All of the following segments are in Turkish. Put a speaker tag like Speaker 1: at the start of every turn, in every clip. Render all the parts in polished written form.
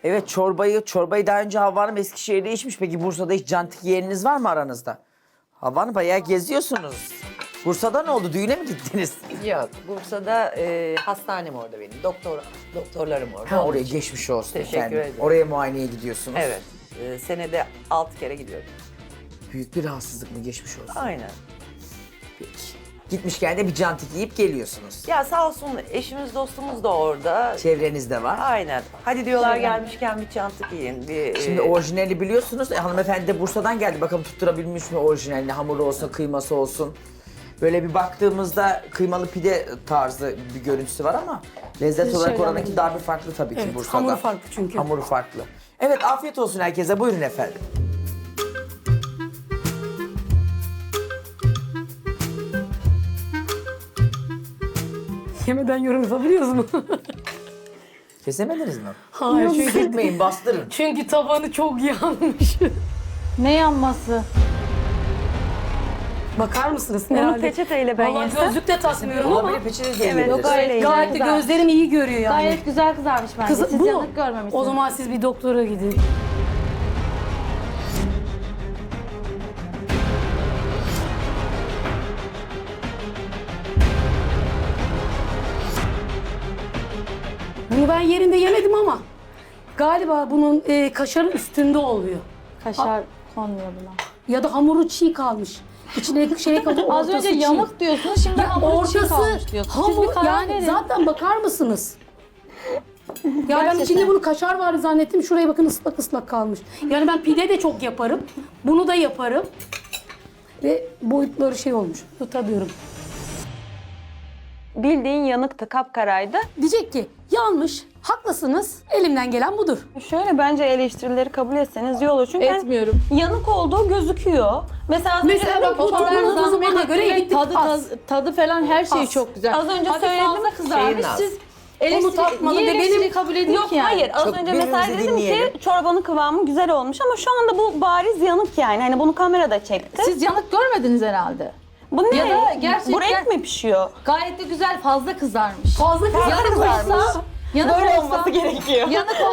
Speaker 1: Evet, çorbayı daha önce Havva Hanım Eskişehir'de içmiş. Peki Bursa'da hiç cantik yeğeniniz var mı aranızda? Havva Hanım bayağı geziyorsunuz. Bursa'da ne oldu? Düğüne mi gittiniz?
Speaker 2: Yok, Bursa'da hastanem orada benim. Doktorlarım orada.
Speaker 1: Ha,
Speaker 2: Onun
Speaker 1: oraya
Speaker 2: için.
Speaker 1: geçmiş olsun
Speaker 2: Teşekkür
Speaker 1: efendim.
Speaker 2: ederim.
Speaker 1: Oraya muayeneye gidiyorsunuz.
Speaker 2: Evet, senede 6 kere gidiyorum.
Speaker 1: Büyük bir rahatsızlık mı, geçmiş olsun?
Speaker 2: Aynen.
Speaker 1: Peki. Gitmişken de bir cantik yiyip geliyorsunuz.
Speaker 2: Ya sağ olsun eşimiz dostumuz da orada.
Speaker 1: Çevrenizde var.
Speaker 2: Aynen. Hadi diyorlar gelmişken bir çantık yiyin.
Speaker 1: Şimdi orijinali biliyorsunuz. Hanımefendi de Bursa'dan geldi. Bakalım tutturabilmiş mi orijinalini? Hamuru olsun, kıyması olsun. Böyle bir baktığımızda kıymalı pide tarzı bir görüntüsü var ama lezzet
Speaker 3: Siz
Speaker 1: olarak
Speaker 3: şeyden
Speaker 1: oranınki
Speaker 3: bilin.
Speaker 1: daha bir farklı tabii ki
Speaker 3: Evet,
Speaker 1: Bursa'da.
Speaker 3: hamuru farklı çünkü.
Speaker 1: Hamuru farklı. Evet, afiyet olsun herkese. Buyurun efendim.
Speaker 3: Yemeden yorum yapabiliyoruz mu?
Speaker 1: Kesemediniz mi?
Speaker 3: Hayır, çünkü,
Speaker 1: Sürtmeyin, bastırın.
Speaker 3: çünkü tabanı çok yanmış.
Speaker 4: Ne yanması?
Speaker 3: Bakar mısınız?
Speaker 5: Bunu
Speaker 3: Herhalde.
Speaker 5: peçeteyle ben
Speaker 3: Vallahi
Speaker 5: yesem.
Speaker 3: gözlük de takmıyorum ama
Speaker 1: Olabilir, peçete de
Speaker 5: Evet,
Speaker 1: yiyebiliriz.
Speaker 5: yok öyle.
Speaker 3: gayet de
Speaker 4: Güzel.
Speaker 3: gözlerim iyi görüyor yani.
Speaker 4: Gayet güzel kızarmış bence.
Speaker 3: Kız,
Speaker 4: Siz
Speaker 3: bu.
Speaker 4: yanık görmemişsiniz.
Speaker 3: O zaman siz bir doktora gidin. Bunu ben yerinde yemedim ama galiba bunun kaşarın üstünde oluyor.
Speaker 4: Kaşar konmuyor buna.
Speaker 3: Ya da hamuru çiğ kalmış. İçine şey kalıyor,
Speaker 4: Az önce
Speaker 3: ortası çiğ.
Speaker 4: yanık diyorsunuz, şimdi hamur çiğ kalmış diyorsunuz. Siz bir
Speaker 3: hamur
Speaker 4: karar
Speaker 3: yani
Speaker 4: verin.
Speaker 3: zaten bakar mısınız? Ya ben
Speaker 4: Gerçekten.
Speaker 3: içinde bunu kaşar var zannettim. Şuraya bakın ıslak ıslak kalmış. Yani ben pide de çok yaparım. Bunu da yaparım. Ve boyutları şey olmuş. Tutamıyorum.
Speaker 5: Bildiğin yanıktı, kapkaraydı.
Speaker 3: Diyecek ki yanlış, haklısınız. Elimden gelen budur.
Speaker 5: Şöyle bence eleştirileri kabul etseniz iyi olur. Çünkü
Speaker 4: Etmiyorum.
Speaker 5: yanık olduğu gözüküyor. Mesela az
Speaker 3: Mesela
Speaker 5: önce
Speaker 3: bak bu toplamın tuzumuna göre gittik
Speaker 4: tadı falan her şey
Speaker 3: Az.
Speaker 4: çok güzel.
Speaker 5: Az önce
Speaker 4: Hadi
Speaker 5: söyledim.
Speaker 4: fazla kızarmış.
Speaker 2: Şeyin az.
Speaker 4: Siz
Speaker 3: Onu tatmadı
Speaker 4: niye
Speaker 3: ve benim-
Speaker 4: eleştiri kabul edin
Speaker 5: Yok
Speaker 4: ki yani?
Speaker 5: hayır az
Speaker 1: Çok
Speaker 5: önce mesela
Speaker 1: birbirimizi
Speaker 5: dedim
Speaker 1: dinleyelim.
Speaker 5: ki çorbanın kıvamı güzel olmuş ama şu anda bu bariz yanık yani. Hani bunu kamerada çekti.
Speaker 4: Siz yanık görmediniz herhalde.
Speaker 5: Bu ne?
Speaker 4: Ya da gerçekten-
Speaker 5: Bu renk mi pişiyor?
Speaker 4: Gayet de güzel, fazla kızarmış.
Speaker 3: Fazla
Speaker 4: Yanık
Speaker 3: kızarmış.
Speaker 4: olsa, yanık
Speaker 5: Böyle
Speaker 4: olsa,
Speaker 5: olması gerekiyor.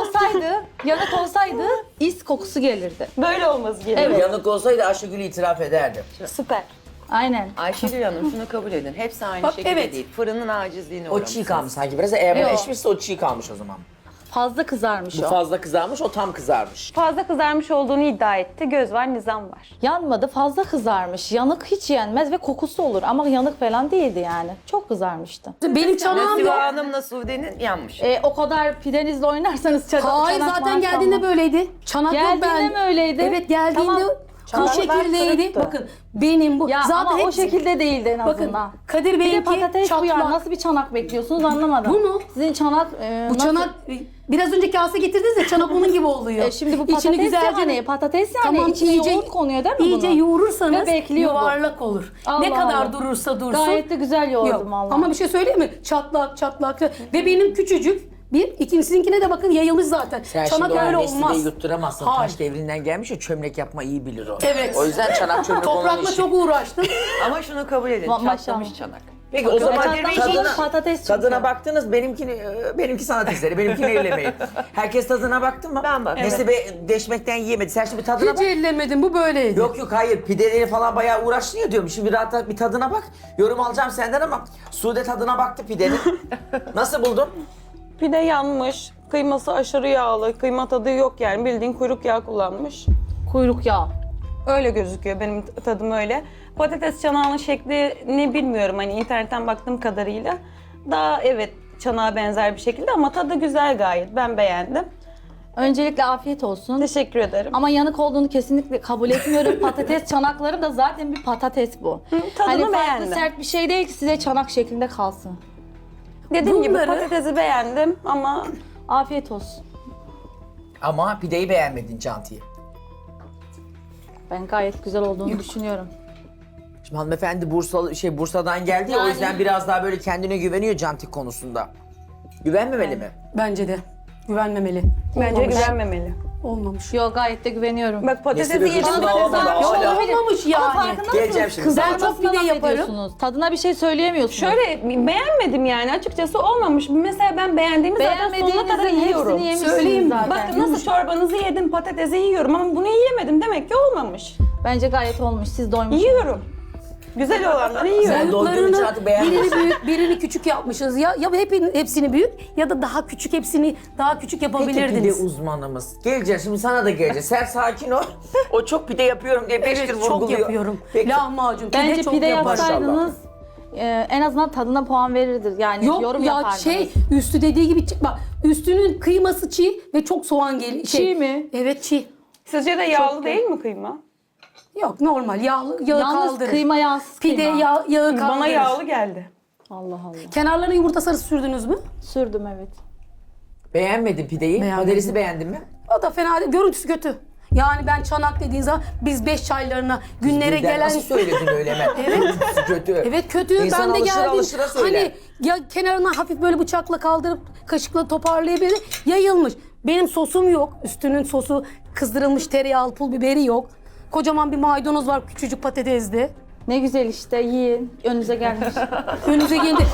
Speaker 4: yanık olsaydı is kokusu gelirdi.
Speaker 5: Böyle olması gerekiyor.
Speaker 4: Evet.
Speaker 1: Yanık olsaydı Ayşegül itiraf ederdi.
Speaker 5: Süper.
Speaker 4: Aynen.
Speaker 2: Ayşegül Hanım şunu kabul edin. Hepsi aynı
Speaker 3: Bak,
Speaker 2: şekilde
Speaker 3: evet.
Speaker 2: değil. Fırının acizliğine
Speaker 1: O
Speaker 2: uğramışsınız.
Speaker 1: çiğ kalmış sanki biraz. Eğer
Speaker 4: Yok.
Speaker 1: bunu eşmişse o çiğ kalmış o zaman.
Speaker 4: Fazla kızarmış
Speaker 1: Bu
Speaker 4: o.
Speaker 1: fazla kızarmış, o tam kızarmış.
Speaker 5: Fazla kızarmış olduğunu iddia etti. Göz var, nizam var.
Speaker 4: Yanmadı, fazla kızarmış. Yanık hiç yenmez ve kokusu olur ama yanık falan değildi yani. Çok kızarmıştı.
Speaker 3: Benim çanağım
Speaker 2: Nasibe
Speaker 3: yok.
Speaker 2: Hanım'la Sude'nin yanmış.
Speaker 4: O kadar pidenizle oynarsanız
Speaker 3: Hayır
Speaker 4: çanak
Speaker 3: zaten
Speaker 4: manak
Speaker 3: geldiğinde
Speaker 4: olmaz.
Speaker 3: böyleydi. Çanak yok
Speaker 4: Geldiğinde
Speaker 3: ben.
Speaker 4: mi öyleydi?
Speaker 3: Evet geldiğinde
Speaker 4: Tamam.
Speaker 3: bu
Speaker 5: Çanaklar
Speaker 3: şekildeydi.
Speaker 5: kırıktı.
Speaker 3: Bakın benim bu.
Speaker 4: Ya
Speaker 3: zaten
Speaker 4: ama o
Speaker 3: hepsi-
Speaker 4: şekilde değildi en
Speaker 3: Bakın
Speaker 4: azından.
Speaker 3: Kadir
Speaker 4: Bir de
Speaker 3: Bey'inki
Speaker 4: patates bu ya.
Speaker 3: çatlak.
Speaker 4: Nasıl bir çanak bekliyorsunuz anlamadım.
Speaker 3: Bu mu?
Speaker 4: Sizin çanak...
Speaker 3: Bu çanak biraz önce kase getirdiniz ya çanak onun gibi oluyor.
Speaker 4: Şimdi bu
Speaker 3: İçini
Speaker 4: patates
Speaker 3: güzelce
Speaker 4: yani patates yani
Speaker 3: Tamam,
Speaker 4: içine
Speaker 3: iyice-
Speaker 4: yoğurt konuyor değil mi
Speaker 3: İyice
Speaker 4: bunun?
Speaker 3: yoğurursanız
Speaker 4: Ve bekliyor bu.
Speaker 3: yuvarlak olur.
Speaker 4: Allah
Speaker 3: ne kadar
Speaker 4: Allah.
Speaker 3: durursa dursun.
Speaker 4: Gayet de güzel yoğurdum
Speaker 3: Yok.
Speaker 4: vallahi.
Speaker 3: Ama bir şey söyleyeyim mi? Çatlak çatlak. Ve benim küçücük bir, ikincisinkine de bakın yayılmış zaten.
Speaker 1: Sen
Speaker 3: Çanak
Speaker 1: şimdi o
Speaker 3: öyle
Speaker 1: Nesli'yi
Speaker 3: olmaz.
Speaker 1: yutturamazsın.
Speaker 3: Hayır.
Speaker 1: Taş devrinden gelmiş ya, çömlek yapma iyi bilir o.
Speaker 3: Evet.
Speaker 1: O yüzden çanak çömlek olan
Speaker 3: Toprakla
Speaker 1: işi.
Speaker 3: çok uğraştım.
Speaker 2: Ama şunu kabul edin.
Speaker 4: Maşallah.
Speaker 2: Çatlamış çanak.
Speaker 1: Peki o zaman
Speaker 4: Kadir Bey
Speaker 1: tadına,
Speaker 4: patates çünkü.
Speaker 1: tadına baktınız, benimki sanat eseri, benimkini ellemeyin. Herkes tadına baktı mı?
Speaker 2: Ben baktım.
Speaker 1: Nesli Bey deşmekten yiyemedi. Sen şimdi bir tadına
Speaker 3: Hiç
Speaker 1: bak.
Speaker 3: ellemedim bu böyleydi.
Speaker 1: Yok hayır, pideleri falan bayağı uğraştın ya diyorum. Şimdi rahat bir tadına bak. Yorum alacağım senden ama Sude tadına baktı pidenin. Nasıl buldun?
Speaker 5: Pide yanmış. Kıyması aşırı yağlı. Kıyma tadı yok yani. Bildiğin kuyruk yağı kullanmış.
Speaker 4: Kuyruk yağı.
Speaker 5: Öyle gözüküyor. Benim tadım öyle. Patates çanağının şeklini bilmiyorum. Hani internetten baktığım kadarıyla. Daha evet çanağa benzer bir şekilde ama tadı güzel gayet. Ben beğendim.
Speaker 4: Öncelikle afiyet olsun.
Speaker 5: Teşekkür ederim.
Speaker 4: Ama yanık olduğunu kesinlikle kabul etmiyorum. Patates çanakları da zaten bir patates bu.
Speaker 5: tadını
Speaker 4: hani farklı
Speaker 5: beğendim.
Speaker 4: sert bir şey değil ki size çanak şeklinde kalsın.
Speaker 5: Dediğim gibi
Speaker 3: Bunları-
Speaker 5: patatesi beğendim ama
Speaker 4: Afiyet olsun.
Speaker 1: Ama pideyi beğenmedin Canti'yi.
Speaker 4: Ben gayet güzel olduğunu düşünüyorum.
Speaker 1: Şimdi hanımefendi Bursa'dan geldi ya, o
Speaker 4: Yani-
Speaker 1: yüzden biraz daha böyle kendine güveniyor Cantik konusunda. Güvenmemeli mi?
Speaker 3: Bence de. Güvenmemeli.
Speaker 5: bence güvenmemeli.
Speaker 3: Olmamış.
Speaker 4: Yok, gayet de güveniyorum.
Speaker 5: Bak patatesi
Speaker 1: Nesi be
Speaker 5: yedim.
Speaker 1: kızım,
Speaker 5: patates
Speaker 1: olmadı,
Speaker 5: almış.
Speaker 1: hala.
Speaker 3: Olmamış yani.
Speaker 4: Ama farkında
Speaker 1: Geleceğim
Speaker 4: mısınız?
Speaker 1: şimdi.
Speaker 3: Kızartma
Speaker 4: Kızartmasına
Speaker 3: pide
Speaker 4: laf
Speaker 3: yaparım.
Speaker 4: ediyorsunuz. Tadına bir şey söyleyemiyorsunuz.
Speaker 5: Şöyle beğenmedim yani açıkçası olmamış. Mesela ben beğendiğimi zaten sonuna kadar
Speaker 4: Beğenmediğinizin
Speaker 5: yiyorum.
Speaker 4: hepsini yemişsiniz
Speaker 3: Söyleyeyim mi?
Speaker 4: zaten.
Speaker 5: Bak nasıl çorbanızı yedim, patatesi yiyorum ama bunu yiyemedim. Demek ki olmamış.
Speaker 4: Bence gayet olmuş. Siz doymuşsunuz.
Speaker 5: Yiyorum. Güzel olanları yiyorum.
Speaker 1: Sen doyduğun için artık beğenmiyorsun.
Speaker 3: birini büyük, birini küçük yapmışız. Ya hepsini büyük ya da daha küçük hepsini daha küçük
Speaker 1: Peki pide
Speaker 3: yapabilirdiniz.
Speaker 1: uzmanımız. Geleceğiz şimdi sana da geleceğiz. Sen sakin ol. O çok pide yapıyorum diye 5
Speaker 3: Evet
Speaker 1: yıl
Speaker 3: çok
Speaker 1: vurguluyor.
Speaker 3: yapıyorum.
Speaker 1: Peki.
Speaker 3: Lahmacun, pide
Speaker 4: Bence
Speaker 3: çok
Speaker 4: pide
Speaker 3: yaparım.
Speaker 4: yapsaydınız en azından tadına puan verirdir. Yani
Speaker 3: Yok
Speaker 4: yorum
Speaker 3: ya
Speaker 4: yapardınız.
Speaker 3: üstü dediği gibi çıkma. Üstünün kıyması çiğ ve çok soğan geliyor.
Speaker 4: Çiğ mi?
Speaker 3: Evet çiğ.
Speaker 5: Sizce de yağlı değil mi kıyma?
Speaker 3: Yok normal yağı
Speaker 4: Yalnız
Speaker 3: kaldırır.
Speaker 4: kıyma yağsız
Speaker 3: Pide
Speaker 4: kıyma.
Speaker 3: yağı kaldırır.
Speaker 5: Bana yağlı geldi.
Speaker 4: Allah Allah.
Speaker 3: Kenarlarına yumurta sarısı sürdünüz mü?
Speaker 4: Sürdüm evet.
Speaker 1: Beğenmedin pideyi.
Speaker 3: Beğenmedim.
Speaker 1: Patatesi beğendin mi?
Speaker 3: O da fena değil. Görüntüsü kötü. Yani ben çanak dediğin zaman biz 5 çaylarına günlere
Speaker 1: Birden
Speaker 3: gelen...
Speaker 1: Nasıl söyledin öyle hemen? Evet. Kötü.
Speaker 3: Evet kötü.
Speaker 1: İnsan
Speaker 3: Ben de
Speaker 1: alışıra
Speaker 3: geldim.
Speaker 1: alışıra söyler.
Speaker 3: Hani ya kenarına hafif böyle bıçakla kaldırıp kaşıkla toparlayabilir. Yayılmış. Benim sosum yok. Üstünün sosu kızdırılmış tereyağlı pul biberi yok. Kocaman bir maydanoz var küçücük patatesli.
Speaker 4: Ne güzel işte yiyin. Önünüze gelmiş.
Speaker 3: Önünüze geldi.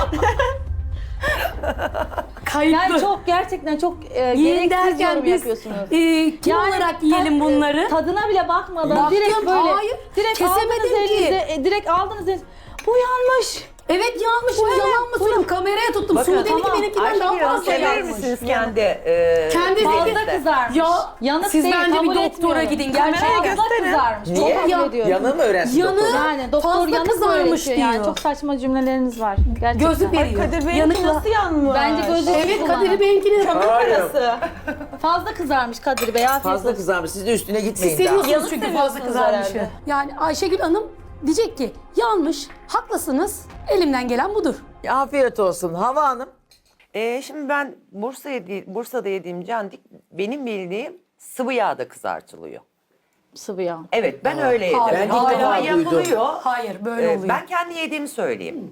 Speaker 3: Kayıtlı.
Speaker 4: Yani çok gerçekten çok
Speaker 3: Yiyin
Speaker 4: gereksiz
Speaker 3: derken
Speaker 4: yorum
Speaker 3: biz
Speaker 4: yapıyorsunuz.
Speaker 3: kim olarak yiyelim bunları?
Speaker 4: Tadına bile bakmadan
Speaker 3: Baktım,
Speaker 4: direkt böyle
Speaker 3: hayır,
Speaker 4: direkt
Speaker 3: kesemedim
Speaker 4: aldınız
Speaker 3: ki.
Speaker 4: elinize, direkt aldınız elinize. Bu yanmış.
Speaker 3: Evet yanlış mı yalan mı söylüyorum? Kameraya tuttum.
Speaker 1: Bakın,
Speaker 3: Sude'ninki
Speaker 4: tamam.
Speaker 3: benimkinden daha fazla
Speaker 1: sever
Speaker 3: yanmış.
Speaker 1: misiniz kendi
Speaker 3: Kendi
Speaker 4: Fazla
Speaker 3: zeki-
Speaker 4: kızarmış.
Speaker 3: Ya
Speaker 4: Yanık
Speaker 3: siz
Speaker 4: değil,
Speaker 3: bence bir
Speaker 4: kabul
Speaker 3: doktora
Speaker 4: etmiyorum.
Speaker 3: gidin.
Speaker 4: Kameraya
Speaker 3: Gerçekten.
Speaker 4: fazla kızarmış.
Speaker 1: Niye?
Speaker 4: Çok kabul ediyorum.
Speaker 1: Yanığı mı öğrensin
Speaker 3: Yanığı-
Speaker 1: doktor?
Speaker 4: Yani doktor
Speaker 3: Fazla
Speaker 4: yanık mı
Speaker 3: kızarmış
Speaker 4: öğretiyor yani?
Speaker 3: diyor.
Speaker 4: Çok saçma cümleleriniz var. Gerçekten.
Speaker 3: Gözlük veriyor.
Speaker 5: Kadir Bey'inki
Speaker 3: Yanıkla.
Speaker 5: nasıl yanmış?
Speaker 4: Bence gözlük
Speaker 3: Evet
Speaker 4: kullanın.
Speaker 3: Kadir Bey'inkini
Speaker 1: Hayır.
Speaker 4: Fazla kızarmış Kadir Bey. Afiyet
Speaker 1: Fazla
Speaker 4: olsun.
Speaker 1: kızarmış. Siz de üstüne gitmeyin
Speaker 3: Siz
Speaker 1: daha.
Speaker 3: seviyorsunuz
Speaker 5: Yanık
Speaker 3: çünkü fazla
Speaker 5: seviyorsunuz
Speaker 3: kızarmışı.
Speaker 5: herhalde.
Speaker 3: Yani Ayşegül Hanım diyecek ki yanlış, haklısınız, elimden gelen budur.
Speaker 1: Afiyet olsun. Hava Hanım.
Speaker 2: Şimdi ben Bursa'da yediğim candik benim bildiğim sıvı yağda kızartılıyor.
Speaker 4: Sıvı yağ.
Speaker 2: Evet ben öyle yedim.
Speaker 3: Hayır,
Speaker 1: Ben ilk
Speaker 2: Ama
Speaker 1: defa duydum.
Speaker 2: yapılıyor.
Speaker 3: Hayır böyle oluyor.
Speaker 2: Ben kendi yediğimi söyleyeyim.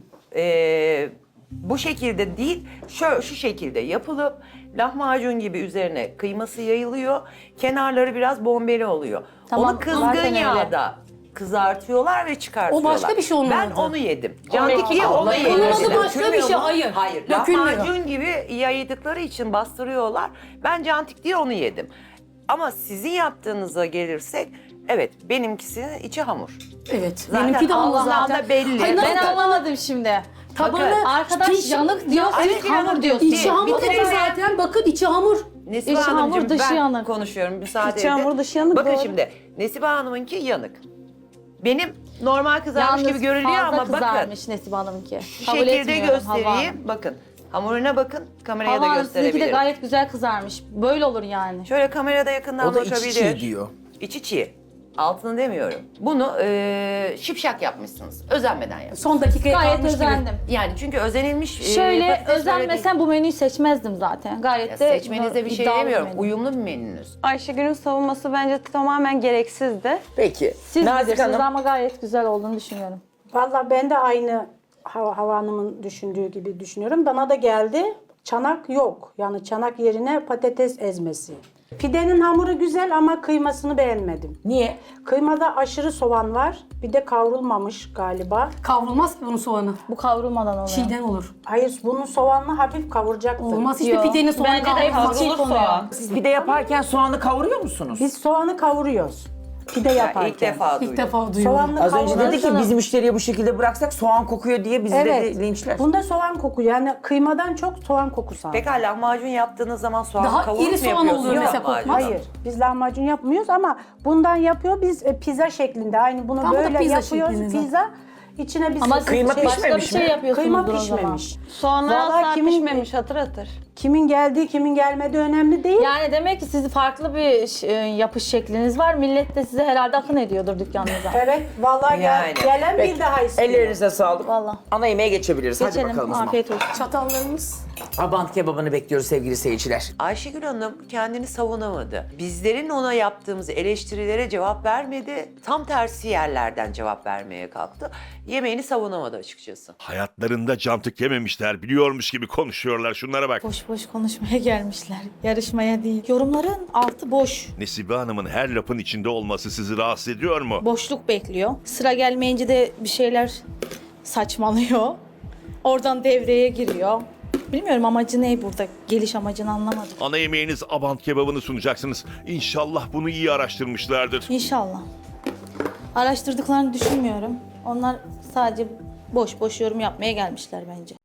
Speaker 2: Bu şekilde değil, şu şekilde yapılıp lahmacun gibi üzerine kıyması yayılıyor. Kenarları biraz bombeli oluyor.
Speaker 4: Tamam,
Speaker 2: Onu kızgın
Speaker 4: zaten öyle.
Speaker 2: yağda kızartıyorlar ve çıkartıyorlar.
Speaker 3: O başka bir şey onun
Speaker 2: Ben
Speaker 3: adı.
Speaker 2: onu yedim. Candik diye onu
Speaker 1: Onun
Speaker 2: yedim.
Speaker 3: adı
Speaker 2: Mesela.
Speaker 3: başka bir şey,
Speaker 2: Dökülmüyor mu?
Speaker 3: hayır.
Speaker 2: Hayır.
Speaker 3: Dökülmüyor.
Speaker 2: Lahmacun gibi yaydıkları için bastırıyorlar. Ben cantik diye onu yedim. Ama sizin yaptığınıza gelirsek, evet benimkisinin içi hamur.
Speaker 3: Evet.
Speaker 2: Zaten
Speaker 3: Benimki de hamur
Speaker 2: Allah'tan
Speaker 3: zaten.
Speaker 2: da belli.
Speaker 3: Hayır,
Speaker 4: Ben
Speaker 3: nasıl-
Speaker 4: anlamadım şimdi.
Speaker 3: Tabanı,
Speaker 4: Arkadaş
Speaker 3: piş-
Speaker 4: yanık diyor,
Speaker 3: Ya,
Speaker 4: siz
Speaker 3: evet,
Speaker 4: hamur diyorsunuz.
Speaker 3: İçi hamur dedi
Speaker 2: Bitirelim.
Speaker 3: zaten. Bakın içi hamur.
Speaker 2: Nesibe
Speaker 4: İçi hamur,
Speaker 2: Hanımcığım
Speaker 4: dışı
Speaker 2: ben
Speaker 4: yanık.
Speaker 2: konuşuyorum müsaade
Speaker 5: İçi
Speaker 2: edin.
Speaker 5: hamur, dışı yanık,
Speaker 2: Bakın
Speaker 5: doğru.
Speaker 2: şimdi Nesibe Hanım'ınki yanık. Benim normal kızarmış
Speaker 4: Yalnız
Speaker 2: gibi görünüyor
Speaker 4: fazla
Speaker 2: ama bakın
Speaker 4: kızarmış Nesibe Hanım'ınki.
Speaker 2: şu
Speaker 4: Kabul
Speaker 2: şekilde
Speaker 4: etmiyorum Havva Hanım.
Speaker 2: göstereyim. Bakın hamuruna bakın kameraya
Speaker 4: Havva
Speaker 2: da
Speaker 4: Hanım sizinki de
Speaker 2: gösterebilirim.
Speaker 4: gayet güzel kızarmış. Böyle olur yani.
Speaker 2: Şöyle kamerada yakından
Speaker 1: O da içi
Speaker 2: bakabilir.
Speaker 1: çiğ diyor.
Speaker 2: İçi çiğ. Altını demiyorum. Bunu şipşak yapmışsınız. Özenmeden yapmışsınız.
Speaker 3: Son dakikaya
Speaker 4: Gayet
Speaker 3: kalmış gibi.
Speaker 4: özendim.
Speaker 2: Yani çünkü özenilmiş
Speaker 4: Şöyle
Speaker 2: patates böyle
Speaker 4: özenmesem bu menüyü seçmezdim zaten. Gayet
Speaker 2: değil.
Speaker 4: de
Speaker 2: Ya seçmenize bir şey
Speaker 4: iddialı
Speaker 2: demiyorum.
Speaker 4: menü.
Speaker 2: Uyumlu bir menünüz.
Speaker 5: Ayşegül'ün savunması bence tamamen gereksizdi.
Speaker 1: Peki.
Speaker 4: Siz
Speaker 1: Nazik
Speaker 4: bilirsiniz
Speaker 1: Hanım.
Speaker 4: ama gayet güzel olduğunu düşünüyorum.
Speaker 6: Valla ben de aynı Hava Hanım'ın düşündüğü gibi düşünüyorum. Bana da geldi. Çanak yok. Yani çanak yerine patates ezmesi. Pidenin hamuru güzel ama kıymasını beğenmedim.
Speaker 1: Niye?
Speaker 6: Kıymada aşırı soğan var. Bir de kavrulmamış galiba.
Speaker 3: Kavrulmaz ki bunun soğanı.
Speaker 4: Bu kavrulmadan oluyor.
Speaker 3: Çiğden olur.
Speaker 6: Hayır bunun soğanını hafif kavuracaktım.
Speaker 3: Olmaz işte
Speaker 4: Yok.
Speaker 3: pidenin soğanı
Speaker 5: Bence de
Speaker 3: kavrulmaz.
Speaker 5: kavrulur soğan.
Speaker 1: Siz pide yaparken soğanı kavuruyor musunuz?
Speaker 6: Biz soğanı kavuruyoruz. Pide
Speaker 2: Ya
Speaker 6: yaparken.
Speaker 2: ilk defa duydum.
Speaker 3: İlk defa duyuyorum.
Speaker 6: Soğanlı
Speaker 1: Az önce
Speaker 6: kavuruyoruz.
Speaker 1: dedi ki biz müşteriye bu şekilde bıraksak soğan kokuyor diye bizi
Speaker 6: Evet.
Speaker 1: de linçler.
Speaker 6: Bunda soğan kokuyor. Yani kıymadan çok soğan kokusu aldım.
Speaker 2: Pekala lahmacun yaptığınız zaman soğan
Speaker 3: Daha
Speaker 2: kavurup
Speaker 3: iri
Speaker 2: mu
Speaker 3: soğan
Speaker 2: yapıyorsunuz
Speaker 3: oluyor mesela,
Speaker 2: lahmacunu?
Speaker 3: kokmaz.
Speaker 6: Hayır, biz lahmacun yapmıyoruz ama bundan yapıyor. Biz pizza şeklinde. Aynı bunu
Speaker 3: Tam bu da
Speaker 6: böyle
Speaker 3: pizza
Speaker 6: yapıyoruz.
Speaker 3: şeklinde.
Speaker 6: Pizza. İçine biz
Speaker 4: Ama
Speaker 1: Kıyma
Speaker 4: siz başka bir
Speaker 1: pişmemiş
Speaker 4: şey
Speaker 1: mi?
Speaker 4: yapıyorsunuzdur
Speaker 6: kıyma
Speaker 4: o zaman.
Speaker 6: pişmemiş.
Speaker 5: Soğanlar
Speaker 6: Vallahi
Speaker 5: asla
Speaker 6: kimin-
Speaker 5: pişmemiş hatır hatır.
Speaker 6: Kimin geldiği, kimin gelmediği önemli değil.
Speaker 4: Yani demek ki sizin farklı bir yapış şekliniz var. Millet de size herhalde akın ediyordur dükkanınıza.
Speaker 6: Evet, vallahi
Speaker 2: Yani.
Speaker 6: gelen
Speaker 1: Peki.
Speaker 6: bir daha istiyor.
Speaker 1: Ellerinize sağlık.
Speaker 4: Vallahi.
Speaker 1: Ana yemeğe geçebiliriz. Hadi
Speaker 4: Geçelim.
Speaker 1: bakalım o zaman.
Speaker 4: Afiyet olsun.
Speaker 3: Çatallarımız.
Speaker 1: Abant kebabını bekliyoruz sevgili seyirciler.
Speaker 2: Ayşegül Hanım kendini savunamadı. Bizlerin ona yaptığımız eleştirilere cevap vermedi. Tam tersi yerlerden cevap vermeye kalktı. Yemeğini savunamadı açıkçası.
Speaker 7: Hayatlarında cantık yememişler, biliyormuş gibi konuşuyorlar. Şunlara bak.
Speaker 4: Boş boş konuşmaya gelmişler. Yarışmaya değil. Yorumların altı boş.
Speaker 7: Nesibe Hanım'ın her lafın içinde olması sizi rahatsız ediyor mu?
Speaker 4: Boşluk bekliyor. Sıra gelmeyince de bir şeyler saçmalıyor. Oradan devreye giriyor. Bilmiyorum amacı ne burada? Geliş amacını anlamadım.
Speaker 7: Ana yemeğiniz abant kebabını sunacaksınız. İnşallah bunu iyi araştırmışlardır.
Speaker 4: İnşallah. Araştırdıklarını düşünmüyorum. Onlar sadece boş boş yorum yapmaya gelmişler bence.